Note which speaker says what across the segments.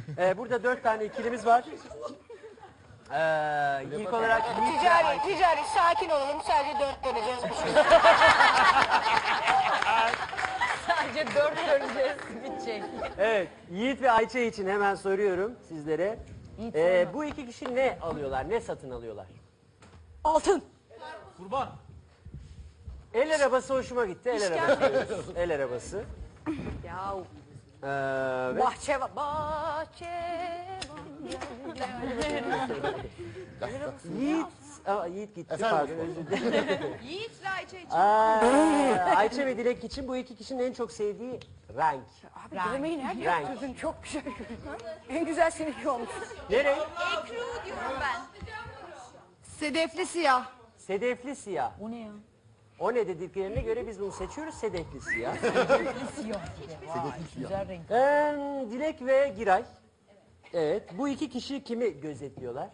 Speaker 1: Burada 4 tane ikilimiz var. İlk olarak
Speaker 2: Ticari, sakin olalım. Sadece 4 döneceğiz. Sadece 4 döneceğiz. Bitecek.
Speaker 1: Evet, Yiğit ve Ayça için hemen soruyorum sizlere. Bu iki kişi ne alıyorlar, ne satın alıyorlar?
Speaker 2: Altın.
Speaker 3: Kurban.
Speaker 1: El arabası hoşuma gitti, el arabası. El arabası.
Speaker 2: Ya
Speaker 1: Ve
Speaker 2: bahçe var.
Speaker 1: Yiğit gitti, pardon, özür dilerim.
Speaker 2: Yiğit'le Ayça için.
Speaker 1: Ayça ve Dilek için bu iki kişinin en çok sevdiği renk.
Speaker 2: Abi demeyin her yer
Speaker 1: Renk.
Speaker 2: kızın çok güzel. En güzel seninki olmuş.
Speaker 1: Ne renk?
Speaker 2: Ekru diyorum ben. Sedefli siyah.
Speaker 1: Sedefli siyah.
Speaker 2: O ne ya?
Speaker 1: O ne dediklerine göre biz bunu seçiyoruz, sedefli siyah.
Speaker 2: Güzel renk.
Speaker 1: Dilek ve Giray. Evet, bu iki kişi kimi gözetliyorlar?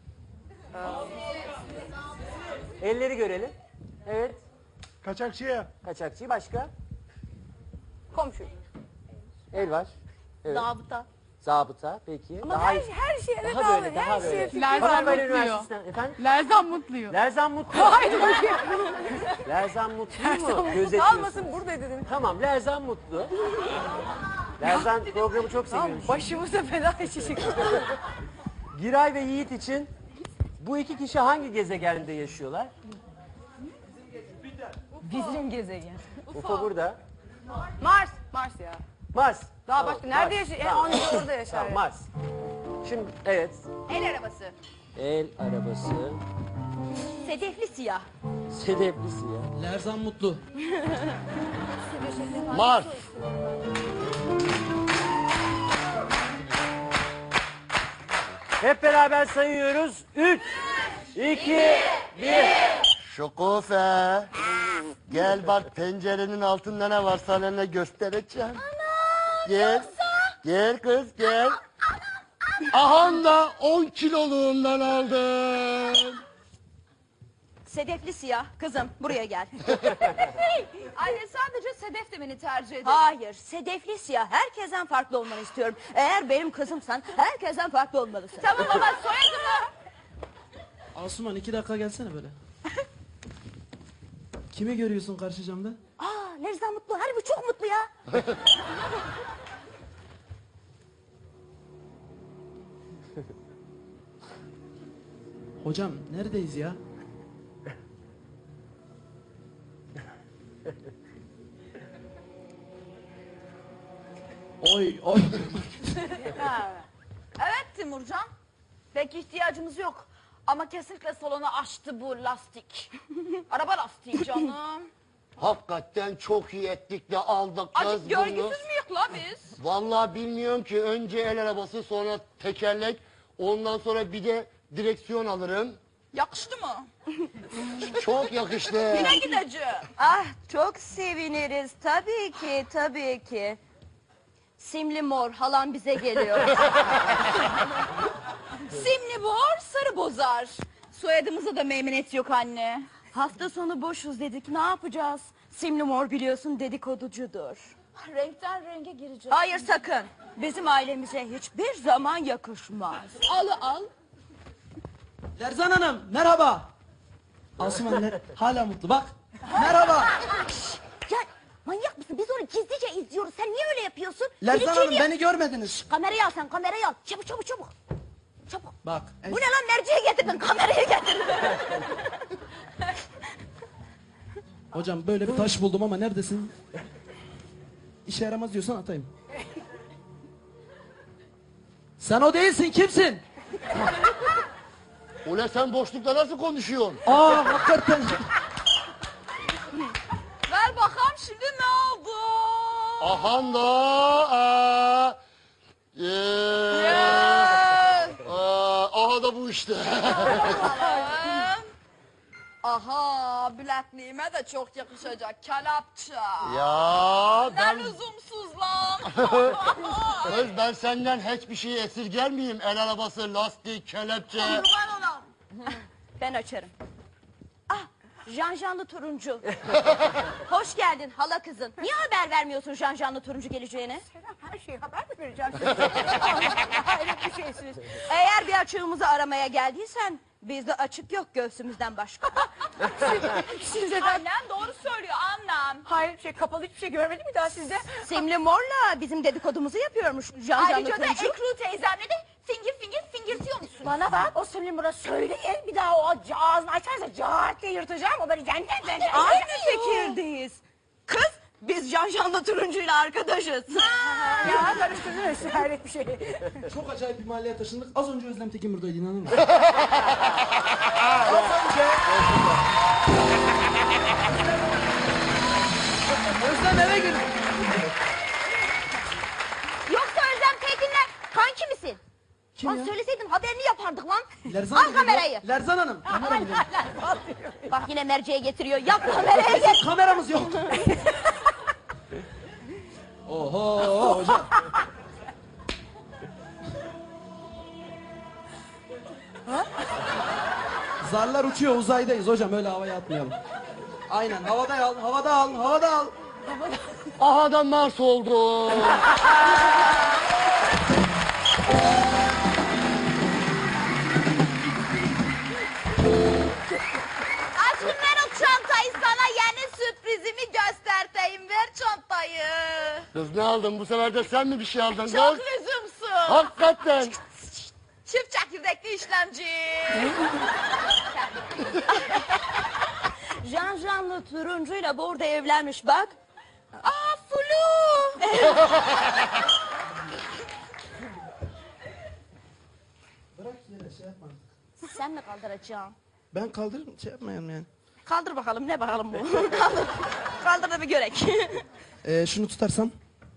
Speaker 1: Elleri görelim. Evet,
Speaker 3: Kaçakçıya.
Speaker 1: kaçakçı başka?
Speaker 2: Komşu.
Speaker 1: El var. Evet.
Speaker 2: Zabıta.
Speaker 1: Zabıta, peki.
Speaker 2: Ama her şeye de
Speaker 1: daha böyle, daha böyle.
Speaker 4: Lerzan
Speaker 1: Marmara
Speaker 4: Mutlu'yu.
Speaker 1: Üniversitesi'nden, efendim?
Speaker 4: Lerzan Mutlu'yu.
Speaker 1: Lerzan Mutlu.
Speaker 2: Haydi bakayım.
Speaker 1: Lerzan Mutlu mu gözetliyorsun?
Speaker 2: Kalmasın burada dedim.
Speaker 1: Tamam, Lerzan Mutlu. Lerzan programı çok
Speaker 2: Tamam,
Speaker 1: seviyormuş.
Speaker 2: başımıza feda edecek.
Speaker 1: Giray ve Yiğit için bu iki kişi hangi gezegende yaşıyorlar?
Speaker 2: Bizim gezegen.
Speaker 1: UFO burada.
Speaker 2: Mars. Mars ya.
Speaker 1: Mars.
Speaker 2: Daha
Speaker 1: Tamam,
Speaker 2: başka nerede
Speaker 1: Mars.
Speaker 2: yaşıyor?
Speaker 1: Tamam.
Speaker 2: Anca orada yaşar.
Speaker 1: Tamam,
Speaker 2: ya.
Speaker 1: Mars. Şimdi evet.
Speaker 2: El arabası.
Speaker 1: El arabası.
Speaker 2: Sedefli siyah.
Speaker 1: Sedefli siyah.
Speaker 3: Lerzan Mutlu.
Speaker 1: Mars. Hep beraber sayıyoruz. 3, 2, 1.
Speaker 5: Şokofe. Gel bak pencerenin altında ne var sana ne göstereceğim. Gel. Gel kız gel. Ahan da 10 kiloluğundan aldım.
Speaker 6: Sedefli siyah. Kızım buraya gel.
Speaker 2: Anne sadece sedef demeni tercih ederim.
Speaker 6: Hayır, sedefli siyah. Herkesten farklı olmanı istiyorum. Eğer benim kızımsan herkesten farklı olmalısın.
Speaker 2: Tamam baba soyadımı.
Speaker 3: Asuman 2 dakika gelsene böyle. Kimi görüyorsun karşı camda?
Speaker 6: Aa, Lerzan mutlu. Hani bu çok mutlu ya.
Speaker 3: Hocam neredeyiz ya? Oy oy.
Speaker 6: Evet Timurcan. Pek ihtiyacımız yok. Ama kesinlikle salonu açtı bu lastik. Araba lastiği canım.
Speaker 5: Hakikaten çok iyi ettik de aldık kız
Speaker 6: Acık
Speaker 5: bunu.
Speaker 6: görgüsüz müyük la biz?
Speaker 5: Vallahi bilmiyorum ki önce el arabası sonra tekerlek ondan sonra bir de direksiyon alırım.
Speaker 6: Yakıştı mı?
Speaker 5: Çok yakıştı.
Speaker 6: Yine gideceğim. Ah çok seviniriz. Tabii ki, tabii ki. Simli mor halam bize geliyor. Simli mor sarı bozar. Soyadımıza da meymenet yok anne. Hafta sonu boşuz dedik ne yapacağız? Simli mor biliyorsun dedikoducudur.
Speaker 2: Renkten renge gireceğiz.
Speaker 6: Hayır sakın. Bizim ailemize hiçbir zaman yakışmaz.
Speaker 2: Al.
Speaker 3: Lerzan Hanım merhaba. Asuman hala mutlu bak. Merhaba.
Speaker 6: Ya manyak mısın? Biz onu gizlice izliyoruz. Sen niye öyle yapıyorsun?
Speaker 3: Lerzan
Speaker 6: Biri
Speaker 3: Hanım
Speaker 6: geliyor.
Speaker 3: beni görmediniz.
Speaker 6: Kamerayı al sen kamerayı al. Çabuk. Çabuk.
Speaker 3: Bak.
Speaker 6: Bu ne lan merceği getirdin kamerayı getirdin.
Speaker 3: Hocam böyle bir taş buldum ama neredesin? İşe yaramaz diyorsan atayım. Sen o değilsin kimsin?
Speaker 5: Ulan sen boşlukta nasıl konuşuyorsun?
Speaker 3: Aa hakikaten.
Speaker 6: Ver bakalım şimdi ne oldu?
Speaker 5: Ahan da aha da bu işte.
Speaker 6: Aha bilekliğime de çok yakışacak kelapça.
Speaker 5: Ya
Speaker 6: Ne
Speaker 5: ben
Speaker 6: lüzumsuz lan.
Speaker 5: kız ben senden hiçbir şey esirger miyim? El arabası, lastik, kelepçe.
Speaker 6: Kurban olam. Ben açarım. Ah Janjanlı turuncu. Hoş geldin hala kızın. Niye haber vermiyorsun Janjanlı turuncu geleceğini?
Speaker 2: Her şeyi haber mi vereceğim?
Speaker 6: açığımızı aramaya geldiysen bizde açık yok göğsümüzden başka.
Speaker 2: Size annem doğru söylüyor annem.
Speaker 4: Hayır kapalı hiçbir şey görmedim mi daha sizde?
Speaker 6: Simli Mor'la bizim dedikodumuzu yapıyormuş. Can
Speaker 2: Ayrıca da
Speaker 6: Turuncu.
Speaker 2: Ekru teyzemle de fingirtiyor musun?
Speaker 4: Bana bak o Süleyman'a söyleyin bir daha o ağzını açarsa cart diye yırtacağım o böyle cennet.
Speaker 6: Aynı fikirdeyiz. Kız biz Can'la Turuncu'yla arkadaşız.
Speaker 4: Ya karıştırdınız hayret bir şey.
Speaker 3: Çok acayip bir mahalleye taşındık. Az önce Özlem Tekin buradaydı, inanır mısın? Özlem eve girdi.
Speaker 6: Yoksa Özlem Tekin'le kanki misin?
Speaker 3: Kim
Speaker 6: Lan
Speaker 3: ya?
Speaker 6: söyleseydin haberini yapardık lan.
Speaker 3: Lerzan
Speaker 6: Al
Speaker 3: Hanım geliyor.
Speaker 6: kamerayı.
Speaker 3: Lerzan Hanım. Kamera geliyor.
Speaker 6: Bak yine merceğe getiriyor. Yap kamerayı.
Speaker 3: Bizim kameramız yok. Oho hocam. Zarlar uçuyor, uzaydayız hocam, öyle havaya atmayalım. Aynen, havada al, havada al, havada al.
Speaker 5: Aha da Mars oldu.
Speaker 6: Aşkım ver o çantayı, sana yeni sürprizimi göstereyim. Ver çantayı.
Speaker 5: Kız ne aldın bu sefer de sen mi bir şey aldın?
Speaker 6: Çok
Speaker 5: Kız?
Speaker 6: lüzumsuz.
Speaker 5: Hakikaten.
Speaker 6: Çift çekirdekli işlemci. Can'la Turuncu'yla burada evlenmiş bak. Aa Flu.
Speaker 3: Bırak yere şey yapma.
Speaker 6: Sen mi kaldıracaksın?
Speaker 3: Ben kaldırırım, şey yapmayalım yani.
Speaker 6: Kaldır bakalım, ne bakalım bu? Kaldır. Kaldır da bir görek.
Speaker 3: Şunu tutarsam.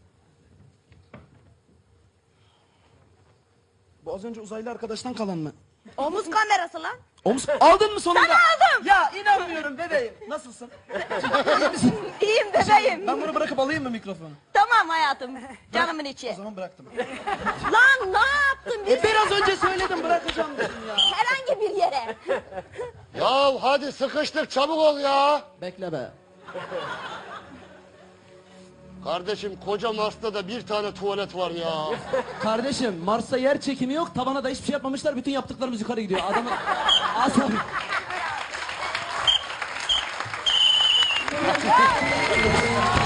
Speaker 3: Bu az önce uzaylı arkadaştan kalan mı?
Speaker 6: Omuz kamerası lan.
Speaker 3: Omuz aldın mı sonunda?
Speaker 6: Ben aldım.
Speaker 3: Ya inanmıyorum bebeğim. Nasılsın?
Speaker 6: İyiyim bebeğim.
Speaker 3: Ben bunu bırakıp alayım mı mikrofonu?
Speaker 6: Tamam hayatım. Canımın içi.
Speaker 3: O zaman bıraktım.
Speaker 6: Lan ne yaptın? Biz
Speaker 3: Biraz önce söyledim, bırakacağım dedim ya.
Speaker 6: herhangi bir yere.
Speaker 5: Ya hadi sıkıştık çabuk ol ya.
Speaker 3: Bekle be.
Speaker 5: Kardeşim koca Mars'ta da bir tane tuvalet var ya.
Speaker 3: Kardeşim Mars'ta yer çekimi yok. Tavana da hiçbir şey yapmamışlar. Bütün yaptıklarımız yukarı gidiyor. Adamın asabı.